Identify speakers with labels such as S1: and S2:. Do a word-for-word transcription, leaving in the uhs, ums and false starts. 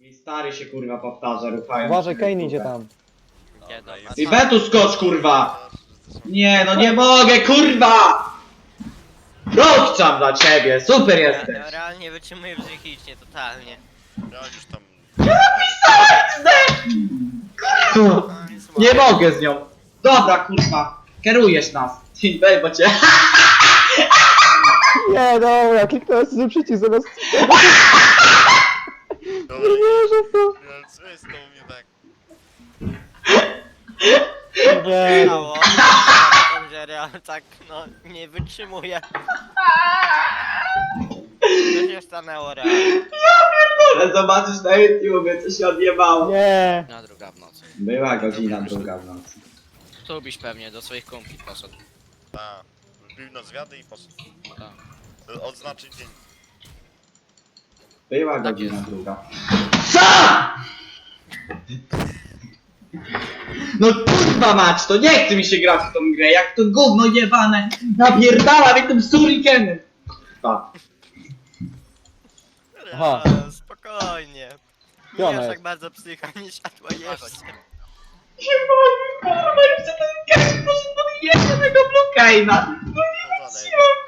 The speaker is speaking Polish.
S1: I stary się kurwa powtarza, ruchając.
S2: Uważaj, Kane idzie tam.
S3: Nie, dobra.
S1: I Betu skocz kurwa! Nie no nie mogę kurwa! Rozczam dla ciebie, super jesteś!
S3: Ja realnie wytrzymuję psychicznie, totalnie.
S4: Ja już tam...
S1: Kurwa, nie mogę z nią! Dobra kurwa, kierujesz nas! Team bo cię...
S2: Nie, dobra, kliknąłem sobie przycisk zamiast...
S4: Dobra,
S2: Nie wierzę w to.
S4: ja- co jest to u mnie tak?
S2: Nie,
S3: Stało, że real tak, no, nie wytrzymuję. To się stanęło real.
S1: Ale zobaczysz na YouTubie, co się odjebało.
S2: nie.
S5: Na druga w nocy.
S1: Była godzina druga w nocy.
S5: Tu byś pewnie do swoich kumpli poszedł.
S4: Ta. Wbił na zwiady i poszedł.
S5: Tak.
S4: Odznaczyć dzień.
S1: Była
S5: Tak
S1: godzina
S5: jest.
S1: druga. Co?! No kurwa mać, to nie chce mi się grać w tą grę, jak to gówno jebane napierdala mnie tym surikenem. Kurwa.
S2: Aha.
S3: Real, spokojnie. Nie
S2: Gdzie ona
S3: aż
S2: jest?
S3: tak bardzo psycha, nie siadła jeszcze.
S1: Nie mogę, kurwa, jeszcze ten Kazik poszedł pod jednego Bluecane'a. No nie
S4: Powodzenia.
S1: wytrzymam,